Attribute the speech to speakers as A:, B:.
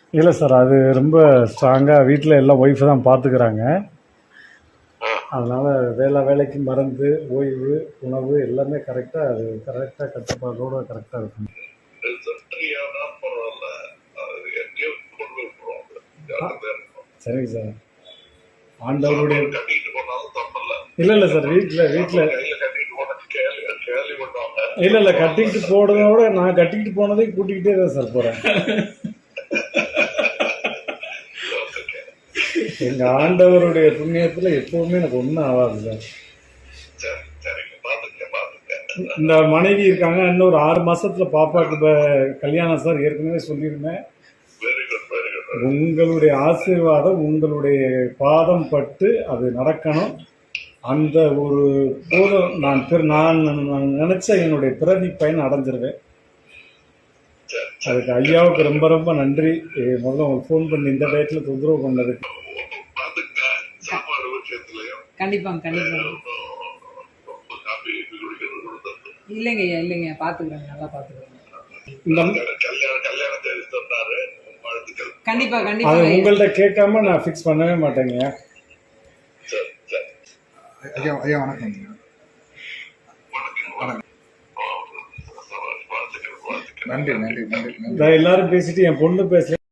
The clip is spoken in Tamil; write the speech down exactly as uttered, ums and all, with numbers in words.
A: இல்லை சார், அது ரொம்ப ஸ்ட்ராங்காக வீட்டில் எல்லாம் ஒய்ஃபு தான் பார்த்துக்கிறாங்க. அதனால் வேலை வேலைக்கு மருந்து, ஓய்வு, உணவு எல்லாமே கரெக்டாக அது கரெக்டாக கட்டுப்பாடோடு கரெக்டாக இருக்கும். சரிங்க சார். ஆண்டவருடைய இல்லை இல்லை சார், வீட்டில் வீட்டில் இல்லை இல்லை கட்டிக்கிட்டு போனதோட நான் கட்டிக்கிட்டு போனதையும் கூட்டிக்கிட்டே தான் சார் போகிறேன். எங்கள் ஆண்டவருடைய புண்ணியத்தில் எப்போவுமே எனக்கு ஒன்றும் ஆகாது சார். இந்த மனைவி இருக்காங்க, இன்னும் ஒரு ஆறு மாசத்துல பாப்பாக்கு இப்போ கல்யாணம் சார். ஏற்கனவே சொல்லியிருந்தேன், உங்களுடைய ஆசீர்வாதம் உங்களுடைய பாதம் பட்டு அது நடக்கணும். அந்த ஒரு போதும் நான் நான் நினைச்ச என்னுடைய பிறவி பயன் அடைஞ்சிருவேன். அதுக்கு ஐயாவுக்கு ரொம்ப ரொம்ப நன்றி. முதல்ல உங்களுக்கு ஃபோன் பண்ணி இந்த டயத்துல தொந்தரவு பண்ணதுக்கு.
B: கண்டிப்பாங்க கண்டிப்பாங்க. இல்லைங்க ஐயா இல்லைங்க, பாத்துக்கிறேங்க, நல்லா பாத்துக்கிறேங்க. கண்டிப்பா கண்டிப்பா. அது
A: உங்கள்ட்ட கேட்காம நான் ஃபிக்ஸ் பண்ணவே மாட்டேங்க.
C: ஐயா ஐயா வணக்கம். நன்றி நன்றி நன்றி.
A: எல்லாரும் பேசிட்டு என் பொண்ணு பேச